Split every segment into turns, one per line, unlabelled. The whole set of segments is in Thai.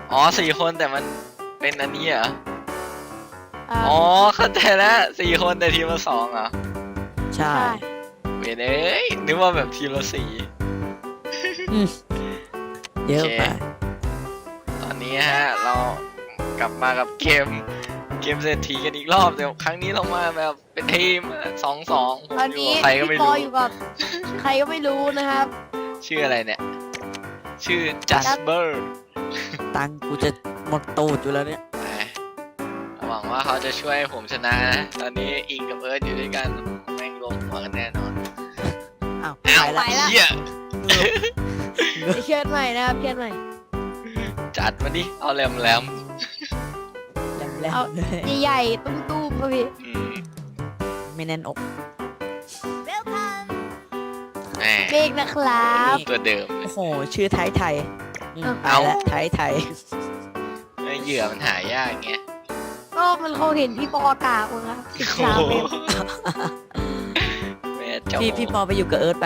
อ๋อ4 คนแต่มันเป็นอันนี้เหรอ
อ่า
อ๋อเข้าใจแล้ว4 คนแต่ทีมละ2เหรอ
ใช่
เวยเอ้ยนึกว่าแบบทีมละ4
อืมเยอะไป
ตอนนี้ฮะเรากลับมากับเกมเศรษฐีกันอีกรอบแต่ครั้งนี้เรามาแบบเป็นทีม2-2ผม
ตอน
อยู่
นี้
กับใครก็ไม่
พี่ปอ
รู้
อยู่กับใครก็ไม่รู้นะครับ
ชื่ออะไรเนี่ย ชื่อ Jasper
ตังค์กูจะหมดตูดอยู่แล้วเนี่ย
หวังว่าเขาจะช่วยผมชนะนะตอนนี้อิงกับเอิร์ธอยู่ด้วยกันแม่งลงหัวกันแน่นอน
อ้าว
อ้าว
ไปละ
เหี้ย
เชิญใหม่นะครับเชิญใหม่
จัดมาดิเอาแหลม
แหลม
เอา
ๆเลย
ใหญ่ๆตุ้มๆครับพี่
อืม
ไม่แน่นอก
แหม
เมฆนะครับ
ตัวเดิมเลย
โอ้โห ชื่อไทยไทยอืม
เอา
ไปแล้วไทยไทย
เหยื่อมันหายากไง
ก็มันคงเห็นพี่ปอกากมั้งครับ
โอ้
13
โห
เมตร
แม่เจ้า
พี่ปอไปอยู่กับเอิร์ธไป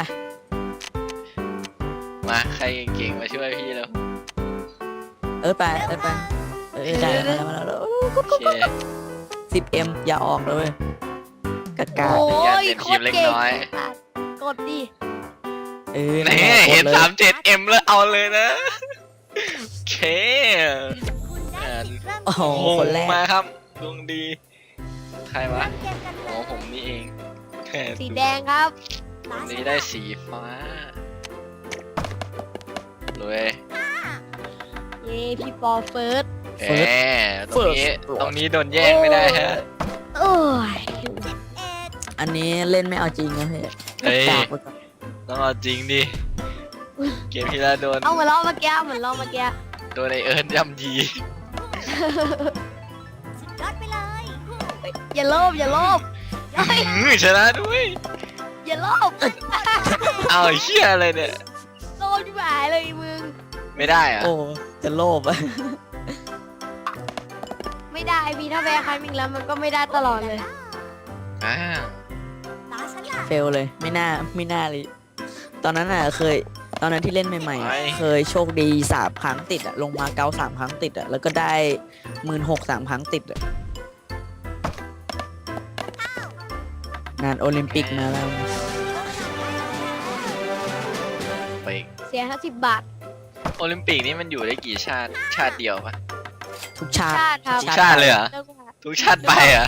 มาใครเก่งๆมาช่วยพี่แล้ว
เอิร์ธไปได้มาแล้ว
โอเค
10M อย่าออกเลยเว้ยกากา
โอ้
อย่า
ย
เป็น
โค
ทีม
ตร
เล็ก
เก่ง
น้อย
กดดิ
เออ
นี่
กด
เห็น
ลย
37M แล้วเอาเลยนะโอเคอ่า
โอ้โห
โอ้
คนแรก
มาครับดวงดี ใครวะอ๋อผมนี่เองแหม
สีแดงครับ
วันนี้ได้สีฟ้าเลย
เย้พี่ปอเฟิร์ส
แหมตรงนี้โดนแย่งไม่ได้ฮะ
โอ้ย
อันนี้เล่นไม่เอาจริงนะพี่
เฮ้ย
กากไปก่อน
ต้องเอาจริงดิ เกมที่แล้วโดน
เอาเหมือนรอบเมื่อกี้เหมือนรอบเมื่อกี้
โดนไอเอิร์นย่ำยี
อย่าโลภอย่าโลภเฮ้ย
ชนะด้วย
อย่าโลภ
เอาไอ้เหี้ยอะไรเนี่ย
โลภที่หายเลยมึง
ไม่ได้อะ
โอ้จะโลภอะ
ไม่ได้พี่ถ้าแพ้ครั้งหนึ่งแล้วมันก็ไม่ได้ตลอดเลย
อ้าว
เฟลเลยไม่น่าเลย ตอนนั้นอ่ะตอนนั้นที่เล่นใหม่ๆอะเคยโชคดี3 ครั้งติดอ่ะลงมาเกา3 ครั้งติดอ่ะแล้วก็ได้16,000 3 ครั้งติดอ่ะงานโอลิมปิกมาแล้ว
ไปอีก
เสีย50 บาท
โอลิมปิกนี่มันอยู่ได้กี่ชาติ ชาติเดียวปะ
ทุกชาติ
ชาติครับ
ทุกชาติเลยเหรอ
เรื่องว่า
ทุกชาติไปเหรอ่ะ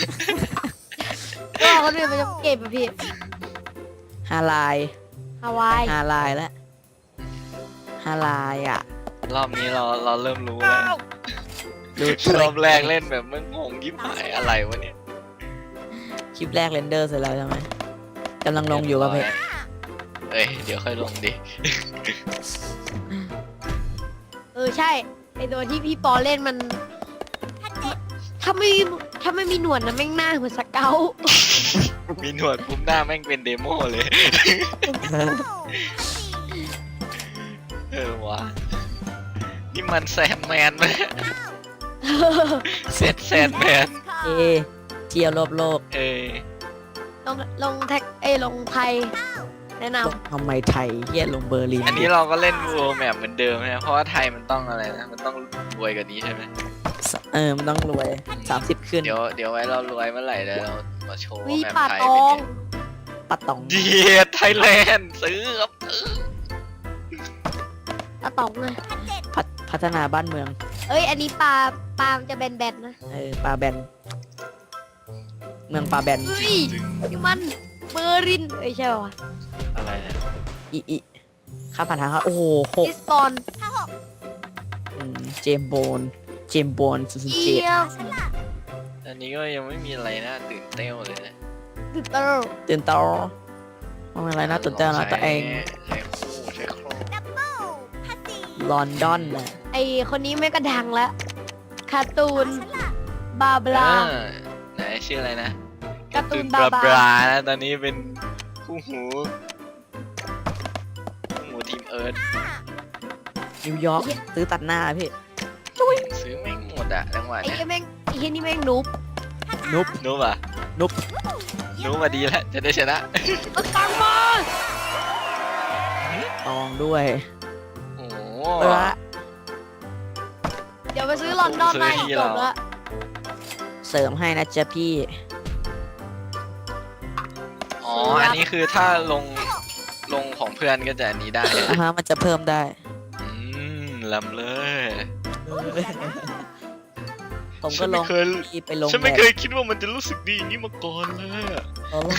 ก็คนอื่นมันจะเก็บอะพี่
5 ลาย
ฮาวาย
5 ลายแล้ว5 ลายอ่ะ
รอบนี้เราเริ่มรู้แล้ว
ดู
รอบแรกเล่นแบบมึงงงยิบหายอะไรวะเนี่ย
คลิปแรกเรนเดอร์เสร็จแล้วใช่ไหมกำลังลงอยู่กับเพจ
เอ้ยเดี๋ยวค่อยลงดิ
ใช่ไอตัวที่พี่ปอเล่นมัน ถ้าไม่มีหนวดนะแม่งหน้าเหมือนสเกล
มีหนวดปุ๊บหน้าแม่งเป็นเดโมเลย เออวะนี่มันแซนแมนไหมเซตแซนแมน
เอเที่ยวรอบโลก
เออ
ลงแท็กลงไทย แนะน
ทำไมไทยเฮียลงเบอร์ลิน
อันนี้เราก็เล่นโวลแมปเหมือนเดิมนะเพราะว่าไทยมันต้องอะไรนะ มันต้องรวยกว่านี้ใช่ไหม
มันต้องรวย30 ขึ้น
เดี๋ยวไว้เรารวยเมื่อไหร่แล้วเรามาโชว์
ำ
ว่า
วิ
แมป
ป่า
ไทย
ต
เป็
อน ง
ไง
ปัดตอง
เดียไทยแลนด์ซื้อครับ
ป่าตองเลย
พัฒนาบ้านเมือง
อันนี้ปลามันจะแบนๆนะ
ปลาแบน เมืองปลาแบน
เฮ้ยนี่มันเบอร์รินใช่ป่าวะ
อะไรเนี่ย
อีค่าผ่านทางครับโอ้โห
ลิสบอน
เจมโบน
เ
07
ยี่ยม
อันนี้ก็ยังไม่มีอะไรน่าตื่นเต้นเลยนะ
ตึกเตอร์
ตื่นต่อว่าอะไรน่าตื่นเต้นนะตัวเอง
ใช้คู่
ลอนดอนน่ะ
ไอคนนี้ไม่กระดังแล้วคาร์ตูนบาบลา
ไหนชื่ออะไรนะ
การ์ตูน
บลา
บา
บ
บา
ลานะตอนนี้เป็นคู่หูทีมเอิร์ธ
นิวยอร์กซื้อตัดหน้าพี่
ซื้อไม่หมดอะจังหวะ
ไอ้
เนี้ย
เหี้ยแม่งไอ้เหี้ยนี่แม่งนุ๊บ
นุบ
นุ๊บอะ
นุบ
นุ๊บมาดีแล้วจะได้ชนะ
เอาตังค์มา
ตองด้วย
โอ้โห
เออ
เดี๋ยวไปซื้อลอนดอนมาอีกจบละ
เสริมให้นะจ๊ะพี่
อ๋ออันนี้คือถ้าลงของเพื่อนก็จะอันนี้ได้
มันจะเพิ่มได้
ลำเลย
ผมก็ลงพี่ไปลง
ฉันไม่
แบบ
เคยคิดว่ามันจะรู้สึกดีอย่างนี้มาก่อนเลยอะ
เอาลง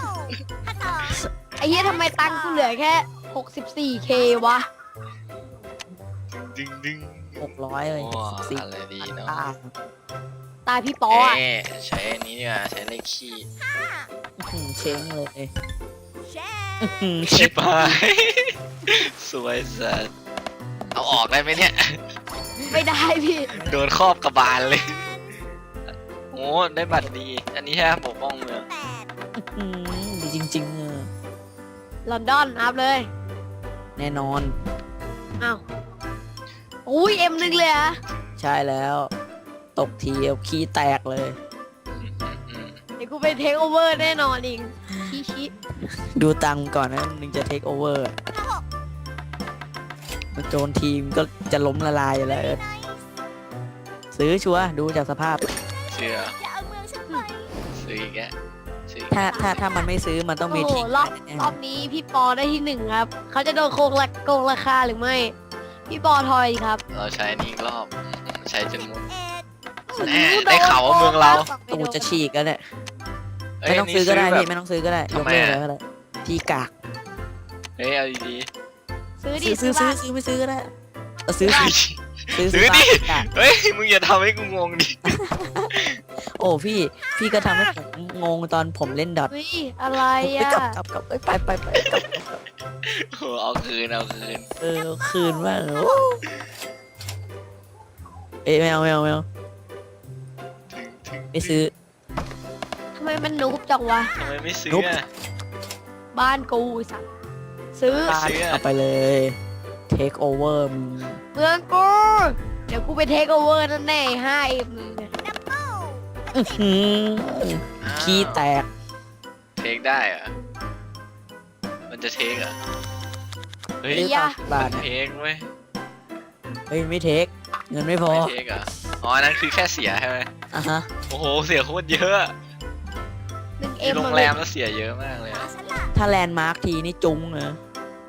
ไอ้เหี้ยทำไมตังค์กูเหลือแค่ 64K วะ
ดึงดึง
600เลย
ว้า
สี่
อะไรดีเนาะ
ตายพี่ปออ่ะ
ใช้อันนี้ดีกว่าใช้เลขขี้
เช้งเลย
ชิบหายสวยสัสเอาออกได้ไหมเนี่ย
ไม่ได้พี่
โดนครอบกระบาลเลย โอ้ได้บัตรดี อันนี้แค่ปกป้องเมือง
ดีจริงๆ
ลอนดอนอัพเลย
แน่นอน
อ้าวอุ้ย M1 เลยอะ
ใช่แล้ว ตกทีเอาขี้แตกเลย
เดี๋ยวกูไปเทคโอเวอร์แน่นอนอีกชี้
ดูตังค์ก่อนนะนึงจะเทคโอเวอร์โจนทีมก็จะล้มละลายอยู่แล้วซื้อชัวร์ดูจากสภาพ
เชื่อซื้ออีกแกซื้ออีก
ถ้ามันไม่ซื้อมันต้อง
โอ้
มี
โห
ทิ้ง
รอบนี้พี่ปอได้ที่ 1 ครับ เขาจะโดนโกงราคาหรือไม่ พี่ปอทอยครับ
เราใช้อันนี้อีกรอบใช้จนหมด
โอ้
แน่
โห
ได้ข่าวว่าเมืองเรา
ตูจะฉีกแล้วเนี่ย
เอ้ย
ไม่ต้องซื้อก็ได้
แบบ
พี่ไม่ต้องซื้อก็ได้ย
ทำ
ก
ไม
เลิก
อะ
เลยก็ได้พี่กาก
เฮ้ยเอาดี
ซื้อดิ
ซื้อ
บ้าน
ไม่ซื้อก็ได้ซื้อ
ๆ ซื้อดิ
กาก
เฮ้ยมึงอย่าทำให้กูงงดิ
โอ้พี่ก็ทำให้ผมงงตอนผมเล่นดอท
เฮ้ยอะไร
ไป
อ่ะ
กลับเอ้ยไปกลับ
โอ้เอาคืน
คืนว่างเอ้ยไม่เอา
ถึง
ไม่ซื้อ
ทำไมมันนุบจังวะ
ทำไมไม่ซื้อ
นุ๊บ
อะ
บ้านกูสัตว์ซื้อ
ซื้อ
เอาไปเลยเทคโอเวอร์มึง
เมืองกู เดี๋ยวกูไปเทคโอเวอร์นั่นแน่ 5M เนี่ย
ขี้แตก
เทคได้เหรอะมันจะเทคเหรอะเฮ้ย
ซื้อ
อย่า
บา
มั
ท
นเทคเว้ย
เฮ้ยไม่เทคเงินไม่พอ
ไม่เทคเหรอะอ๋ออันนั้นคือแค่เสียใช่ไหม
อ่ะฮะ
โอ้โหเสียโคตรเยอะ
1M
ที่โรงแรมแล้วเสียเยอะมากเลยอะ
ถ้าแลนด์มาร์คทีนี่จุ้งเนอะ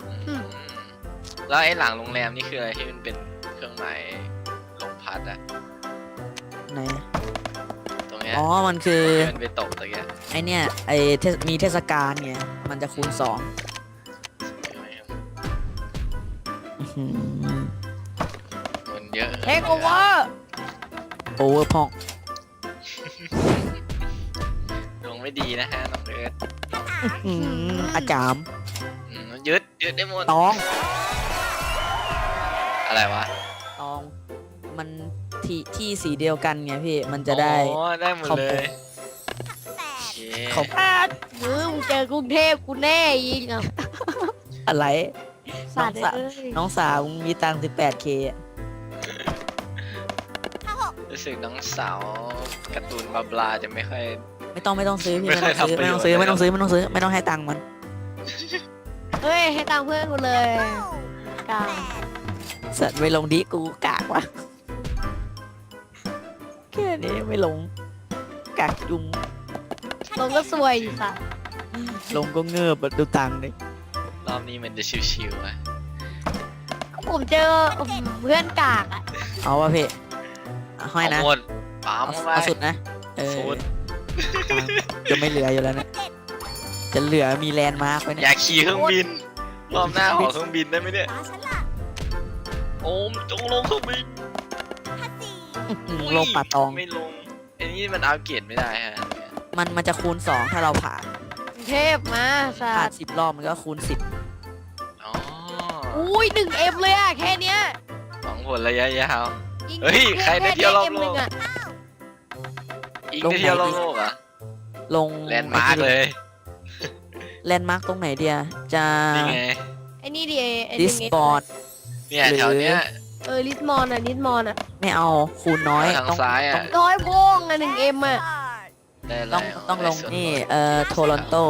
แล้วไอ้หลังโรงแรมนี่คืออะไรที่มันเป็นเครื่องหมายลมพัดอะ
ไหน
ตรงเนี้ย
อ๋อมันคือ
ที่มันไปตกตะเกียบ
ไอเนี่ยมีเทศกาลไงมันจะคูณ2อื้อหือ
มันเยอะ
เทคโอเวอร์
โอเวอร์พอง
ดวงไม่ดีนะฮะน้องเอิร์ธ
อาจาม
ยึดได้หมด
ตอง
อะไรวะ
ตอง มันที่สีเดียวกันไงพี่มันจะได้
อ๋อได้หมดเลยโอเค
เขา
มึงเจอกรุงเทพกูแน่ยิงอ่ะ
อะไร
สัตว์
น้องสาว
เอ้ย
น้องสาวมึงมีตังค์ 18K อะ
รู้สึกน้องสาวการ์ตูนบาบลาจะไม่ค่อย
ไม่ต้องซื้อพี่
ไม่
ไม่
เคย
ต้องซื้อ
ทำประ
ไม่
โยชน์
ต้องซื้อ
เลย
ไม่ต้องซื้อไม่ต้องซื้อไม่ต้องให้ตังค์มัน
เฮ้ย ให้ตังค์เพื่อนกูเลยกลาง
สัตว์ไม่ลงดิกูกากวะแค่นี้ไม่ลงกากจุง
ลงก็สวยอีสัตว์
ลงก็เงือบอะดูตังค์ดิ
รอบนี้มันจะชิวๆอะ
ผมเจอเพื่อนกากอ่ะ
เอาวะพี่เอาห้อยนะ
เอาหมดปั๊ม
เอา
เข้าไป
เอาสุดนะเ
สุด
จะไม่เหลืออยู่แล้วเนี่ยจะเหลือมีแลนด์มาร์กไว้
อ
เนี่ย
ยากขี่เครื่องบิน รอบหน้าขอเครื่องบินได้ไหมเนี่ย โอมจงลงเครื่องบิน
ลงป่าตอง
ไม่ลงอันนี้มันอัปเกรดไม่ได้ฮะ
มันจะคูณ 2 ถ้าเราผ่าน
กรุงเทพมาสั
ผ่าน
ตว์
10 รอบมันก็คูณ
อ๋อ
อุ้ย1M เลยอ่ะ แค่เนี้ย
หวังผลระยะยาว
ยิง
เฮ้ยใครได้เที่ยวรอบโลก
M1 อะ
อีกได้เที่ยวรอบโลกเหรอ่ะ
10 ลง
แลนด์มาร์กเลย
แลนด์มาร์กตรงไหนเดียจะ
นี่ไง
ไอ้นี่ดิไอ้
ดิ
ห
ส
นึ่ง
บอร์ด
เนี่ยแถวเนี้ย
ลิสมอนอ่ะลิสมอนอ่ะ
ไม่เอาคูณน้อย
ทาง
ต้อง
ซ้ายอะ
น้อยโพ้งอ่ะ1M อ่ะ
ได้อะไร
ต้องลง
ได้ส่วน
นี่
ลด
โทรอนโต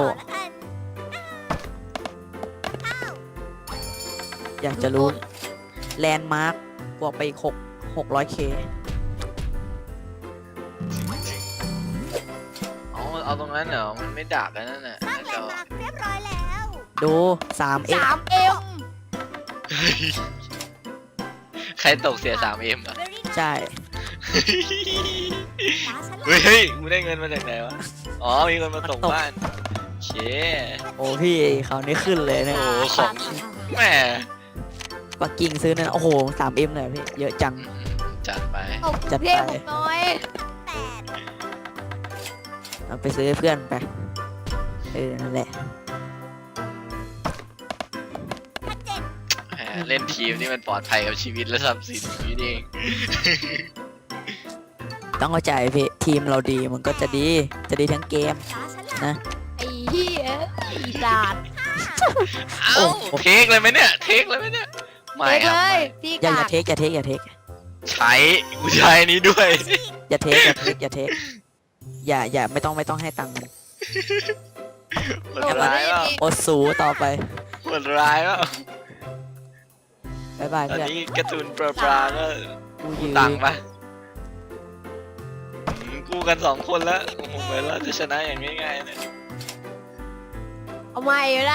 อยากจะรู้แลนด์มาร์กบวกไปอีก 600K
เอาตรงนั้นเหรอมันไม่ดักกันนั่นน่ะ
สร้างแลนด์มาร์คเรียบร้อยแล้ว
ดู 3M
3M
ใครตกเสีย 3M อ่ะ
เบอร์รี่
ใช่
ฟ้าฉัน
เฮ้ยกูได้เงินมาจากไหนวะอ๋อมีคนมาตกบ้านโอเค
โอ้พี่เขาวนี้ขึ้นเลยเนี่ย
โอ้ของแหม
ปักกิ่งซื้อนั่นโอ้โห 3M เลยพี่เยอะจัง
จัดไป
ตกกรุงเทพผมน้อย
8
เอาไปซื้อให้เพื่อนไปนั่นแหละ
แหมเล่นทีมนี่มันปลอดภัยกับชีวิตและทรัพย์สินนี่เอง
ต้องเข้าใจพี่ทีมเราดีมันก็จะดีทั้งเกม
ฟ้าฉันล่ะ
นะ
ไอ้เหี้ยอีสาน
เอ้าเทคเลยไหมเนี่ยเทคเลยไหมเนี่ยไม่
เทค
ครับ
เล
ไม่
ยพี่
อย่าก
าด
เทคอย่าเทค
ใช้กูใช้นี้ด้วย
อย่าเทคอย่าไม่ต้องให้ตังค์มัน
โหดร้ายว่ะ
อดสูต่อไป
โหดร้ายว่ะ
บ๊ายบาย
ตอน
เพื่อน
นี้การ์ตูนปลาก็
กู
กู
ยืน
ตังค์ปะกูกัน2 คนแล้วโอ้โหเหมือนเราจะชนะอย่างง่ายๆเลย
เอาใหม่ก็ได้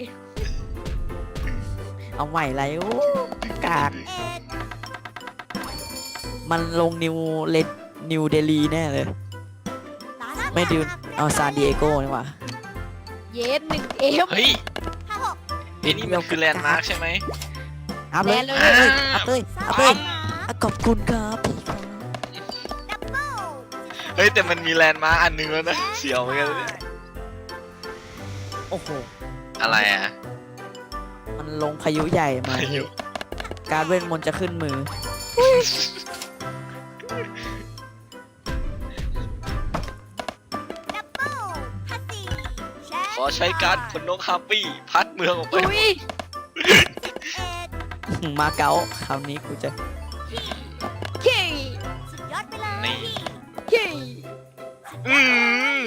เอาใหม่ไรโอ้กาก
เอ็ด
มันลงนิวเดลีแน่เลย
ฟ้าฉัน
ไม่ดิวเอาซานดิเอโกนี่หว่า
เย็น1M
เฮ้ย
56
ไอ้นี่มันคือแลนด์มาร์คใช่ไหม
อัพเลย
แน่เลย
อัพเลย
สร้าง
อัพ
แล
เลย
นด์มาร์ค
ขอบคุณครับพี่ครับ
ดับเบิ้ล
เฮ้ยแต่มันมีแลนด์มาร์คอันหนึงแล้วนะเสียวเหมือนกันเนี่ย
โอ้โห
อะไรอ่ะ
มันลงพายุใหญ่มา
พายุ
การเวทมนต์จะขึ้นมือ
ดับเบิ้ล54แชร์
ขอใช้การ์ดคนนกฮาปปี้พัดเมืองออกไป
อุ้ย
เอ็ด
มาเก๊าคราวนี้กูจะ
เฮ้
สุดยอดไปเลย
นี่
เฮ้
อืม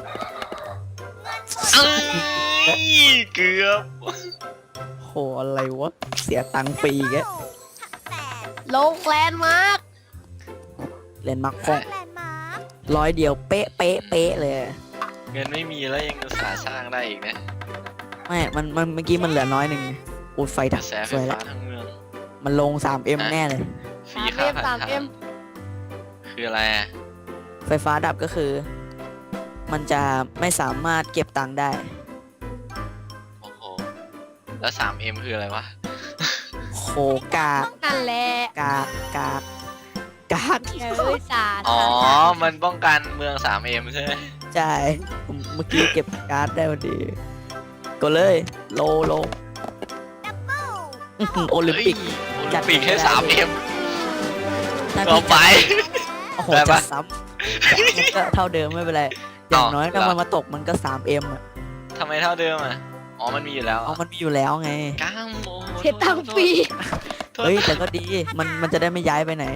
เอ้ยเกือบ
โหอะไรวะ เสียตังค์ฟรีแก
8
ลงแลนด์มาร์ค
เล่นมักค
สร้าง
ง
แลนด์มาร์ค
100 เดียวเป๊ะเลย
เงินไม่มีแล้วยังอุตส่าห์สร้างได้อีกนะ
ไม่มันเมื่อกี้มันเหลือน้อยหนึ่งอูดไฟ
ก
ดั
ระ
บ
แสไฟ
สวยแล้
ฟ้าว ทั้งเมือง
มันลง 3M แน่เลย
ฟรีค่า
3M
ผ่านทาง
3M
คืออะไรอ่ะ
ไฟฟ้าดับก็คือ มันจะไม่สามารถเก็บตังค์ได้
โอ้โหแล้ว 3M คืออะไรวะ
โคกาก
นั่นแหละ
กากกากกาก
เอ้ยสาร
อ๋อ มันป้องกันเมือง 3M ใช่ไหม
ใช่ผมเมื่อกี้เก็บการ์ดได้พอดี ก็เลยโล
ดับเบิ้ล
โอลิมปิก
เฮ้ยโอ
จั
ลิ
ด
มปิกแค่
ไม่ได้
3M
ถ้า
ต่อ
พี่
ไป
โอ้โห
ได้
จะ
ปะ
ซ้ำมันก็เท่าเดิมไม่เป็นไร อย่างน้อย
เหรอ
ถ้ามันมาตกมันก็ 3M อ่ะ
ทำไมเท่าเดิมอ่ะ อ๋อ มันมีอยู่แล้ว
เอามันมีอยู่แล้วไง
ก้ามโอ้
เสียตังค์ฟรี
โทษ
เฮ้ย แต่ก็ดี มันจะได้ไม่ย้ายไปไหน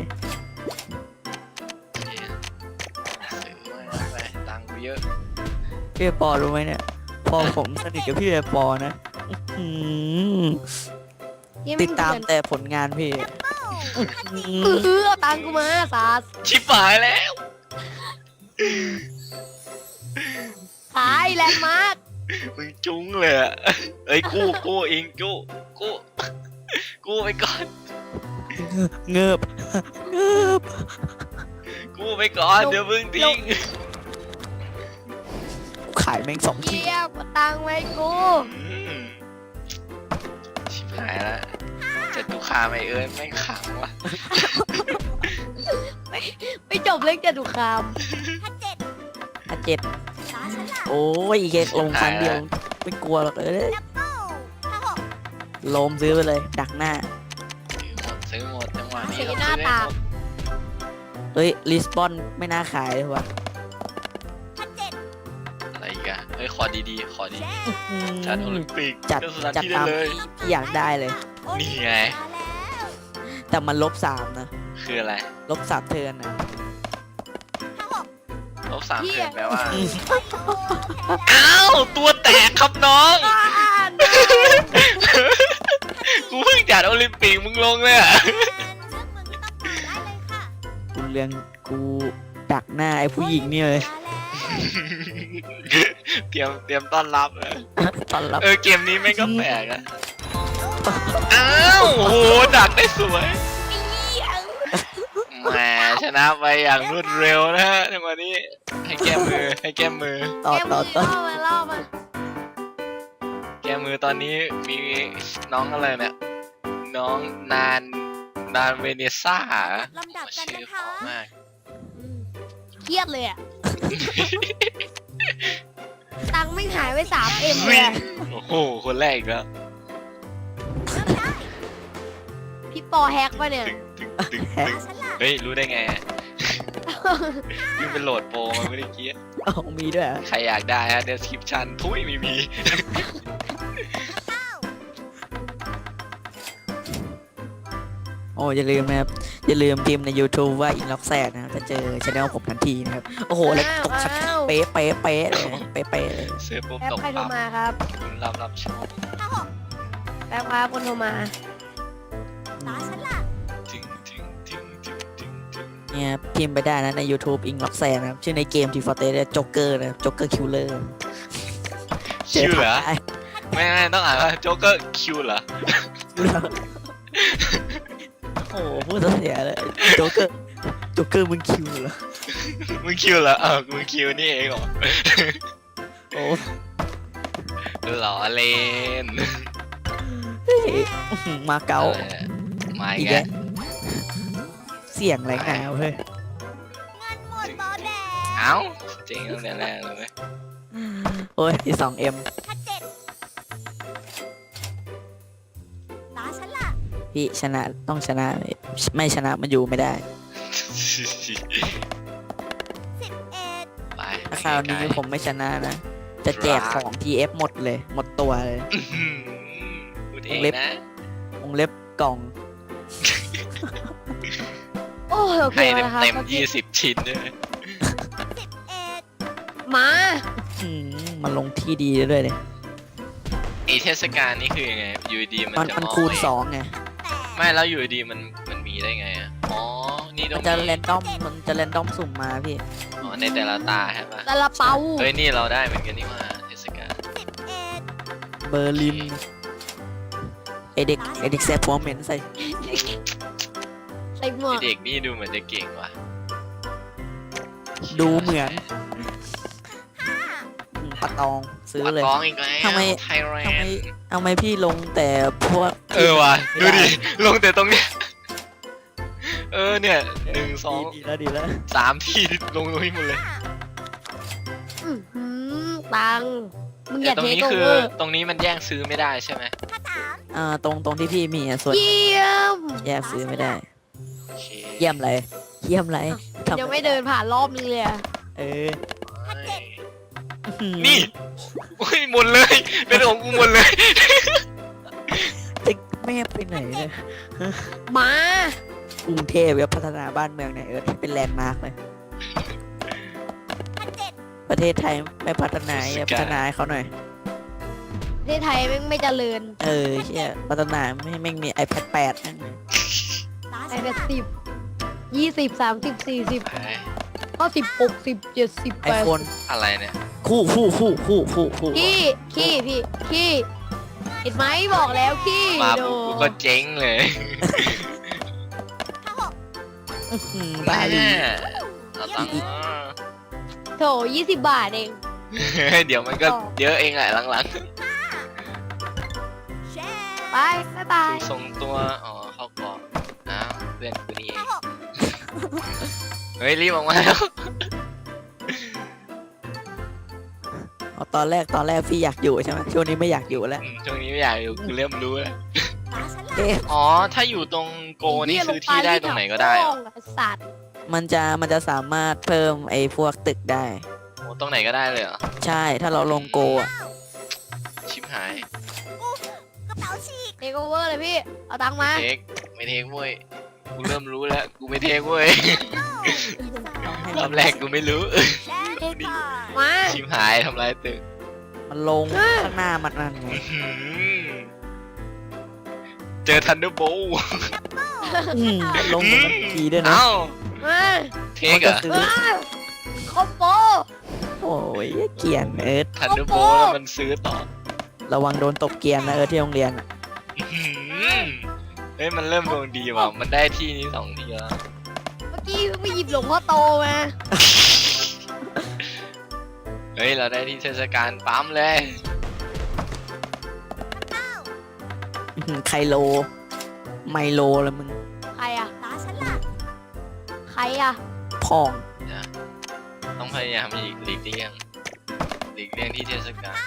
ซื้อมาไปตังค์กูเยอะ
พี่ปอรู้ไหมเนี่ย พอผมสนิทกับพี่ปอนะอื้อหือติดตามแต่ผลงานพี่อื้อหือ
เอาตังค์กูมาสาส
ชิบหายแล้ว
ขายแลนด์มาร์ค
มึงจุ้งเลยอ่ะเอ้ยกู้เองกู้ไปก่อน
เงือบเงือบ
กู้ไปก่อนเดี๋ยวมึงทิ้ง
ขายแม่ง2 ที่
เยี่ยมเอาตังค์ไว้กู
อืมชิบหายแล้วจะตุคามไอเอิญแม่งขังว่ะ
ไม่จบเรื่องจตุคาม
57
7
ฟ้าฉันล่ะ
โอ้ยอีกแค่ลงครั้งเดียว ไม่กลัวหรอก
ดับเบิ้ล56
โลมซื้อไปเลย ดักหน้า
ซื้อหมดจังหวะนี้
เสียหน้าตา
เฮ้ย ลิสบอนไม่น่าขายเลยว่ะ
57
อะไรอีกอะเฮ้ยขอดีๆขอดี
แชร์
จัดโอลิมปิก
จัด
ก็สถาน
จัด
ที่ได้
ตาม
เลย
ที่พี่อยากได้เลย
นี่ไง
มาแล้ว
แต่มัน-3นะ
คืออะไร
-3เทิร์นนะ
56
ลบ3
เหี้
เดื
ย
อนแปลว่า
โอ้ย
อ้าว ตัวแตกครับน้อง
บ้าน
กูเพิ่งจัดโอลิมปิกมึงลงเลยอ่ะ
เลือกเมืองที่ต้องการได้
เรื่องกูดักหน้าไอ้ผู้หญิงนี่เลย
เตรียมต้อนรับเลย
ตอนรับ
เกมนี้แม่งก็แปลกอะอ้าวโอ้โหดักได้สวยแหมชนะไปอย่างรวดเร็วนะฮะในวันนี้ให้แก้มือ
ต่อ
เล่ามา
แก้มือตอนนี้มีน้องอะไรเนี่ยน้องนานเวเนซ่า
ลำดับกัน
ชื่อ
นะ
เพ
คะ
ราะมาก
เครียดเลยอ่ะ ตังค์ไม่หายไป3M เลยอะ
โอ้โหคนแรกอีกแล้ว
พี่ปอแฮกปะเนี่ย
ตึง
แฮก
ตาฉันล่ะ
เฮ้ยรู้ได้ไงยิ่งเป็นโหลดโปรมาไม่ได้เกี้ย
เอามีด้วยเหรอ
ใครอยากได้ฮะ description ทุยไม่มี
โอ้อย่าลืมนะครับอย่าลืมพิมพ์ใน YouTube ว่าอินล็อกแซดนะครับจะเจอช anel ผมทันทีนะครับโอ้โหแล้วตกชัด
อ้าว
เป๊ะเลยเป๊ะเลย
เสื้อปุ๊บ
แป๊บ
ตก
ใครโทร
ปั๊บ
มาครับ
รับชอบ
ถ้าหก
แป๊บครับคนโทรมา
ตาฉันล่ะ
จึง
เนี่ยพิมพ์ไปได้นะใน YouTube อิงล็อกแซดนะครับชื่อในเกมทีฟอร์เตสโจ๊กเกอร์นะโจ๊กเกอร์คิลเลอร์
คิวเหรอไม่ต้องอ่านว่าโจ๊กเกอร์คิวเหรอ
โอ้โหพูดเสียเลยโจ๊กเกอร์มึงคิวเหรอ
มึงคิวเหรอมึงคิวนี่เองเหรอ
โอ้
หล่อเล่น
เฮ้ยอื้อหือมาเก๊า
มาอี
อี
ก
ก
แล้
แล้ว วเสียงไรหนาวเฮ้ย
เงินหมดบอแดง
เอ้าเจ๋งตั้งแต่แรกเลยเว้ย
โอ้ย2M
ถ้าเจ็ดตาฉันล่ะ
พี่ชนะต้องชนะไม่ชนะมันอยู่ไม่ได้
11
ไป
ถ้าคราวนี้ผมไม่ชนะนะ จะแจกของ TF หมดเลยหมดตัวเลย
พูดเองนะ
วงเล็บกล่อง
โอ้ยโอเค
ให้
แล้วนะครับ
เต็ม20 ชิ้นด้วย
มา
มันลงที่ดีด้วยเลย
ไอเทศกาลนี่คือยังไงอยู่ดีมันจะ
มัน
มอง
คูณ
เอง
2ไง
ไม่แล้วอยู่ดีมันมีได้ไงอ่ะอ๋อนี่ตร
มัน
ง
จะ
นี้
แรนดอมมันจะแรนดอมสุ่มมาพี่
อ๋อในแต่ละตาใช่ปะ
ซาลาเปา
เฮ้ยนี่เราได้เหมือนกันนี่ว่าเทศกาล
เบอร์ลินไอเด็กแซ่บหัวเหม็นใส่
ใส่หมว
ไอ้
ก
เด็กนี่ดูเหมือนจะเก่งว่ะ
ดูเหมือนปะตองซื้อเลย
ปะกองอีกแล้ว
ทำไม
ไทยแล
ทำไม
นด์
เอาไมพี่ลงแต่พวก
ว่ะ
ไม่
ดู
ได้
ดิลงแต่ตรงเนี้ยเนี่ย1 2
ดีแล้วดีแล้ว
3 ที่ลงตรงนี้หมดเลย
อื้อหือตังค์มึงอย่า
ตร
เท
งนี้
คโอ
คือ
เวอร์
ตรงนี้มันแย่งซื้อไม่ได้ใช่ไหม
ตรงที่พี่มีส่วน
เยี่ยม
แยกซื้อไม่ได้
โอเค
เยี่ยมเลยเยี่ยมเลยทำ
ยังไม่เดินผ่านรอบนึงเลยอะ
เออ
นี่โอ้ยหมดเลย เป็นของกูหมดเลย
จะแม่ไปไหนเลย
มาก
รุงเทพจะพัฒนาบ้านเมืองไหนเป็นแลนด์มาร์กเลย ประเทศไทยไม่พัฒนาอย่าพัฒนาให้เขาหน่อย
ประเทศไทยแม่งไม่เจริญ
เออเชี่ยพัฒนาไม่มี iPad 8นั่นเลย
ไอ้แบบ10 20 30 40
ไป
50 60 70
ไอโฟน
อะไรเนี่ย
คู่
ขี้พี่ขี้เห็นไหมบอกแล้วขี้
มา
โด
ปุ๊บกูก็เจ๊งเลย
บาลี
เอาตังค์
โถ20 บาทเอง
เดี๋ยวมันก็เยอะเองแหละหลัง
ไปบ๊ายบาย
ๆส่งตัวเข้ากรอบอ้าวเพื่อนกูนี่เองเฮ้ยรีบออกมาแล้ว
ตอนแรกพี่อยากอยู่ใช่ไหมช่วงนี้ไม่อยากอยู่แล้ว
ช่วงนี้ไม่อยากอยู่กูเริ่มรู้แล้ว
เอ๊ะ
อ๋อถ้าอยู่ตรงโกนี่ซื้อที่ได้ตรงไหนก็ได้เหรอ
สัตว์
มันจะสามารถเพิ่มไอ้พวกตึกได้
โอ้ตรงไหนก็ได้เลยเหรอ
ใช่ถ้าเราลงโกอ่ะ
ชิบหาย
กระเป๋าฉีก
เทคโอเวอร์เลยพี่ เอาตังค์มา
ไม่เทคเว้ยกูเริ่มรู้แล้วกูไม่เทคเว้ยรอบแรกกูไม่รู้
แลกก่อน
มา
ชิบหายทำลายตึก
มันลงข้างหน้ามันนั่นไง
เจอทันเดอร์โบ
ลงเหมือนกันทีด้วยนะ
เอ้า
มา
เทคเหรอ
ซื้อ
คอมโบ
โอ้ยเกรียนเอิร์ธ
ทันเดอร์โบแล้วมันซื้อต่อ
ระวังโดนตบเกรียนนะเอิร์ธที่โรงเรียนอะ
อื้อหือเฮ้ยมันเริ่มดวงดีว่ะมันได้ที่นี้2 ทีแล้ว
เมื่อกี้เพิ่งไปหยิบหลวงพ่อโตมา
เฮ้ยเราได้ที่เทศกาลปั๊มเลย
อื้อหือไคโล ไมโลแล้วมึง
ใครอ่ะ
ตาฉันล่ะ
ใครอ่ะ
พอง
ต้องพยายามหลีกเลี่ยงที่เทศกาล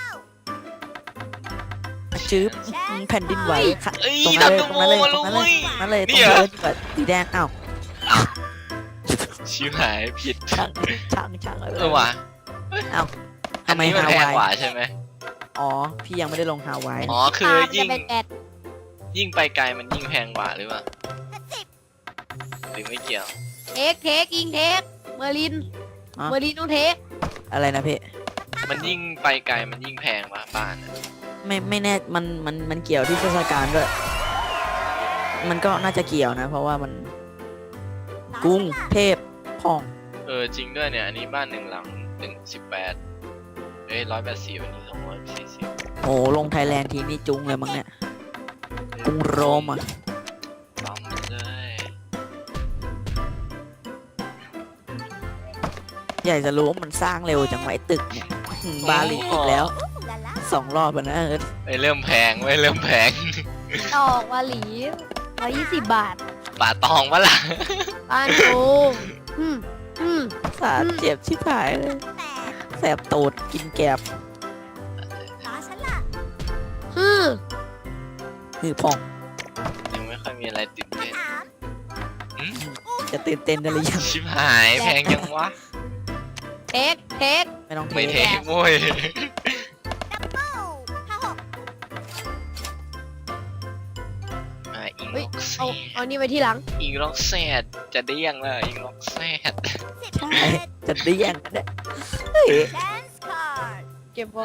จื๊บแผ่นดินไหวค่ะ
เอ้ย
ตรง
ทั
นั้น
น
เล
เด
ย
อร์
ต
โบ
รงนั้น
มา
เลย
ลุ
ตรงนั้นเลย
นี่
ตรง
เหรอ
นั้นเลยสีแดงอ้าว
ชิวหายผิด
ช่าง
เออว่ะ
อ้าว
อั
ทำ
น
ไม
นี้มัน
ฮา
แพง
วาย
กว่าใช่ไหม
อ๋อ พี่ยังไม่ได้ลงฮาวาย
อ๋อคือยิ่ง
จะเป็นแอด
ยิ่งไปไกลมันยิ่งแพงกว่าหรือเปล่า
10
หรือไม่เกี่ยว
เทคยิงเทคเมอร์ลินต้องเทค
อะไรนะพี่
มันยิ่งไปไกลมันยิ่งแพงกว่าบ้านอะ
ไม่แน่มันเกี่ยวที่เทศกาลด้วย มันก็น่าจะเกี่ยวนะ เพราะว่ามันกรุงเทพพอง
เออจริงด้วยเนี่ยอันนี้บ้าน1 หลัง18เอ้ย180อันนี้240
โอ้ลงไทยแลนด์ทีนี่จุงเลยมั้งเนี่ยกรุงโรมอ่ะ
ปั๊มเลย
อยากจะรู้ว่ามันสร้างเร็วจังไหวะไอ้ตึกเนี่ยบาหลีอีกแล้ว
ลาล่า
2 รอบแล้วนะเอิร์ธ
ไอ้ยเริ่มแพงเว้ยเริ่มแพง
ดอกวาหลี120 บาท
ป่าตองวะล่ะ
บ้านโกอืม
สาดเจ็บชิบหายเลย
8
แสบตูดกินแกบ
ตาฉันล่ะ
อืม
คือพอง
ยังไม่ค่อยมีอะไรตื่นเต้น
3
อืม
จะตื่นเต้นได้หรือยัง
ชิบหายแพงยังวะ
เทค
ไม่ต้อง
ไม่
เท
เทคโว้ย
โอ้ห้าหก
อิง
เฮ้
ล็
ย
อกแซ
เอา
ด
นี่ไปที่หลัง
อิงล็อกแซดจะเดี้ยงเลยอิงล็อกแซด
ใช่จะได้แย่งกันเนี่ย
แชนส์คาร์ด
เก็บไว้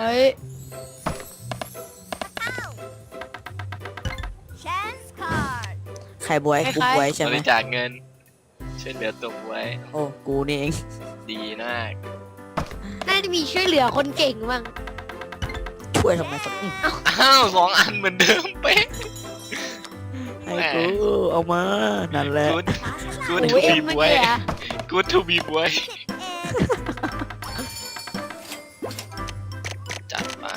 แชนส์คาร์ด
ใครบวยกุ๊กไว้ใช่
บ
ไหม
ริจาคเงินช่วยเหลือตัวไว้
โอ้กูนี่เอง
ดีมาก
น่าจะมีช่วยเหลือคนเก่งบ้าง
ช่วยทำไมครับ
อ้าว2 อันเหมือนเดิมเป๊ะ
ให้กูเอามานั่นแหละ
good
ตาฉันล่ะ
good
โอ้
to
ยเอ็
be
มมัน
boy
เนี่ย
good to be boy
11
จัดไป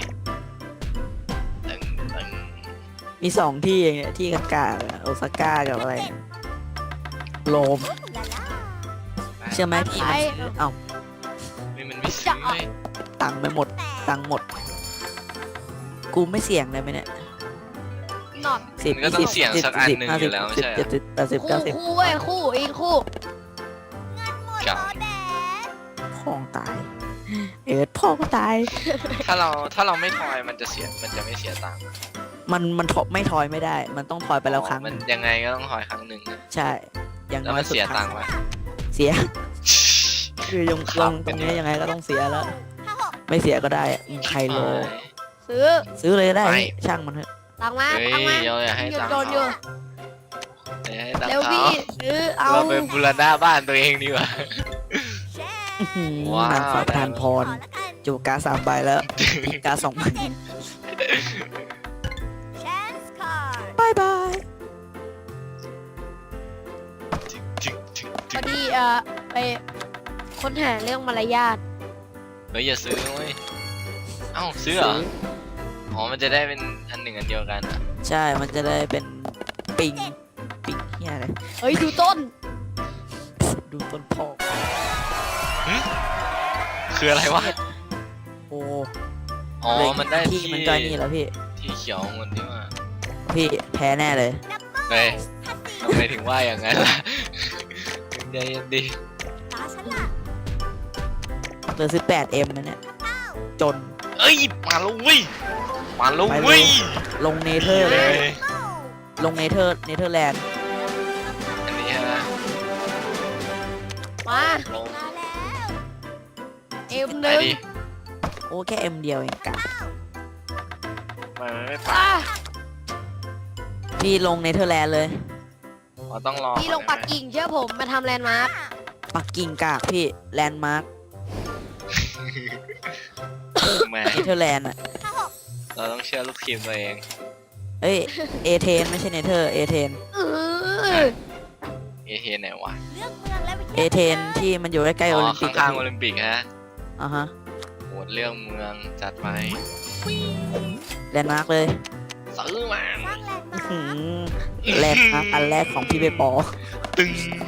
ตึง
มี2 ที่เองเนี่ยที่กากาโอซาก้ากับอะไรเนี่ยโรม
ลาล่า
เชื่อไหมพี่มันซื้อเอ้า
ไม่มันไม่ซื้อเว้ย
ตังค์ไปหมด ตังค์หมด กูไม่เสี่ยงเลยไหมเนี่ย
หนอน
10
มันก็ต้องเสี่ยงสักอันหนึ่งอยู่แล้วไม่ใช่เหรอ
70 80
คู่
90
คู่เว้ยคู่อีกคู่
เงินหมด
เก่า
โอแดด
พ่องตาย เอิร์ธพ่อก็ตาย
ถ้าเราไม่ทอยมันจะไม่เสียตังค์
มันถอไม่ทอยไม่ได้ มันต้องทอยไปแล้วครั้งห
มัน
นึ่ง
ยังไงก็ต้องทอยครั้งหนึ่งนะ
ใช่ อย่าง
แล้ว
น้อ
มั
ย
น
สุด
เสีย
ค
ตั
รั้
ง
ง
ค์ไหม
เสีย คือลงตรงนี้ยังไงก็ต้องเสียแล้ว
56
ไม่เสียก็ได้ใครโล
ซื้อ
ซื้อเลยก็ได้ช่างมันเถอะ
ตังมา
เฮ้ย
ตังมา
อย่าให้ตังค์
โดนอยู่
อย่าให้ตัง
เร็ว
ค์เขา
พี่ซื้อเอา
เราไปบูรณะบ้านตัวเองดีกว่า
แชน
อื้อหือ
ว้าว
นางฟ้าประทานพร
ขอละกัน
จูบการ์ด3 ใบแล้วอีกการ์ด2 ใบ
แชนส์คาร์ด
บายบาย
พอดีไปค้นหาเรื่องมารยาท
เฮ้ยอย่าซื้อเว้ยเอ้าซื้อเหรออ๋อมันจะได้เป็นอันหนึ่งอันเดียวกันอะ
ใช่ มันจะได้เป็นปิงเฮียอะไร
เฮ้ยดูต้น
ดูต้นพอก
คืออะไรวะ
โอ้
อ๋อ
เลย
มันได้
ที่
ที่
มันก็นี่แล้วพี่
ที่เขียวเงินที่ว่า
พี่แพ้แน่เลย
เฮ้ยทำไมถึงว่าอย่างนั้นล่ะใจเย็นดิ
ตาฉันล่ะ
เหลือ 18M นะเนี่ย จน
เอ้ยมาแล้วเว้ยมาแล้วเว้ย
ลงเนเธอร์เล
เฮ้
ย
ย
ลงเนเธอร์แลนด์
อันนี้ฮะ
มา
ลง
มาแล้ว
เอ็มห
ไป
นึ่ง
ดิ
โอ้แค่ M เดียวเองกะ
มันไม่ไป
อ่ะ
พี่ลงเนเธอร์แลนด์เลย
เราต้องรอ
พี่ลงปักกิ่งเชื่อผมมาทำแลนด์มาร์ค
ปักกิ่งกากพี่แลนด์มาร์ค
แหม
เนเธอร์แลนด์อ่ะ
เราต้องเชื่อลูกทีมตัวเอง
เอ้ยเอเธนไม่ใช่เนเธอร์เอเธน
เออ
เอเทนไหนวะ
เลือกเมืองและวิท
เอย
า
เธนที่มันอยู่ใกล้ๆโอลิมปิก
ข้างๆโอลิมปิกฮะ
อ่ะฮะ
โหดเรื่องเมืองจัดไป
แลนด์มาร์คเลย
ซื้อมา
สร้างแลนด์มา
หื
ร์ค
มแลนด์มาร์คอันแรกของพี่เบปอ
ตึง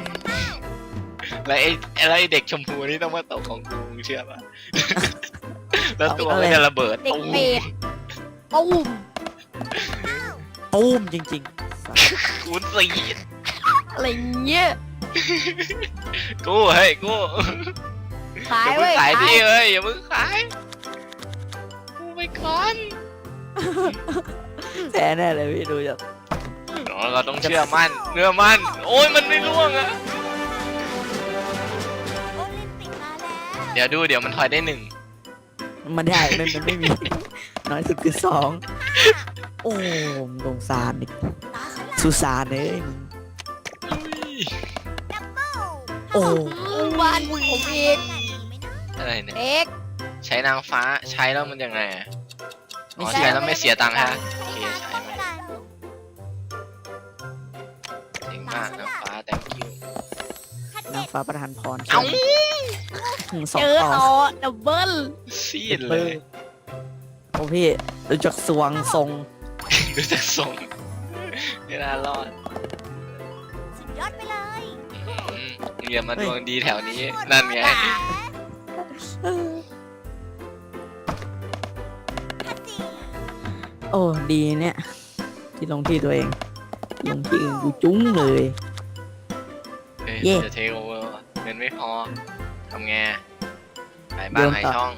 แล้วไอ้เด็กชมพูนี่ต้องมาตกของกูเชื่อป่ะ แล้วตัวมันจะระเบิด
เด็ก
ตุ้ม
เป็ดตุ้ม
ตูมจริง
คูณสี่
อะไรเงี้ย
กูเฮ้ยกู
ขาย
อย่า
เว้
เพิ่ง
ย
ขาย
ขา
ดิ
ย
เฮ้ยอย่าเพิ่งขายกูไปก่อน
ๆแท้แน่เลยพี่ดูจาก
เราต้องเชื่อมั่นโอ้ยมันไม่ร่วงอะ
โอลิมปิกมาแล้ว
เดี๋ยวมันถอยได้หนึ่ง
มันได้มันไม่มี น้อยสุดคือสองโอ้สงสารอีก
ตาฉันละ
สุสานเลยมึง
ดับเบิ้ล
โอ้
วันผมอีก
อะไรเนี่ย
เอ็ก
ใช้นางฟ้าใช้แล้วมันยังไงอะอ๋อ
ไม่ใช่
ใช้แล้วไม่เสียตังค์ฮะโอเคใช้ไหมเจ๋งมากนางฟ้า thank you
นางฟ้าประทานพร
เอ้า
สอ
เจ
ง
อ
ต่อ
ต่อดับเบิ้ล
ซีดเลย
โอ้พี่ดูจากสวงทรง
ดูจากทรงไม่น่ารอด
สุดยอดไปเลย
อืมเรียนมาดวงดีแถวนี้นั่นไง
พัดดี
โอ้ดีเนี่ย ที่ลงที่ตัวเอง ลงที่อื่นกูจุ้งเลย
เฮ้ย
เย่
จะเทคโอเวอร์เงินไม่พอทำไงขายบ้านขายช่อง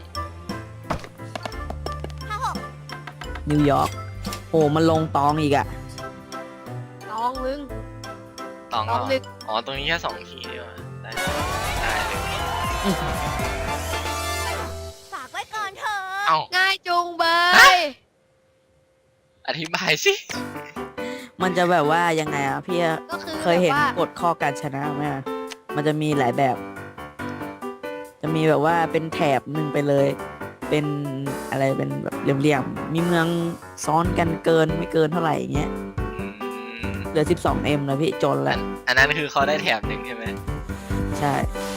นิวยอร์กโอ้มันลงตองอีกอะ
ตองมึง
ตอง
ตอง
เหร
นึ
อก อ๋อตรงนี้แค่2 ทีนี่หว่าได้เลย
ฝากไว้ก่อนเถอะ
เอ้า
ง่ายจุงเบย
อธิบายสิ
มันจะแบบว่ายังไงอะพี่
ก็คือ
เคยเห็น
แบบว่าก
ฎข้อการชนะไหมอะมันจะมีหลายแบบ จะมีแบบว่าเป็นแถบหนึ่งไปเลย เป็นอะไรเป็นแบบเหลี่ยมๆ มีเมืองซ้อนกันเกินไม่เกินเท่าไหร่อย่างเงี้ย
อืม
เหลือ 12M แล้วพี่จนแล้ว
อันนั้นคือเขาได้แถบหนึ่งใช่ไหม
ใช่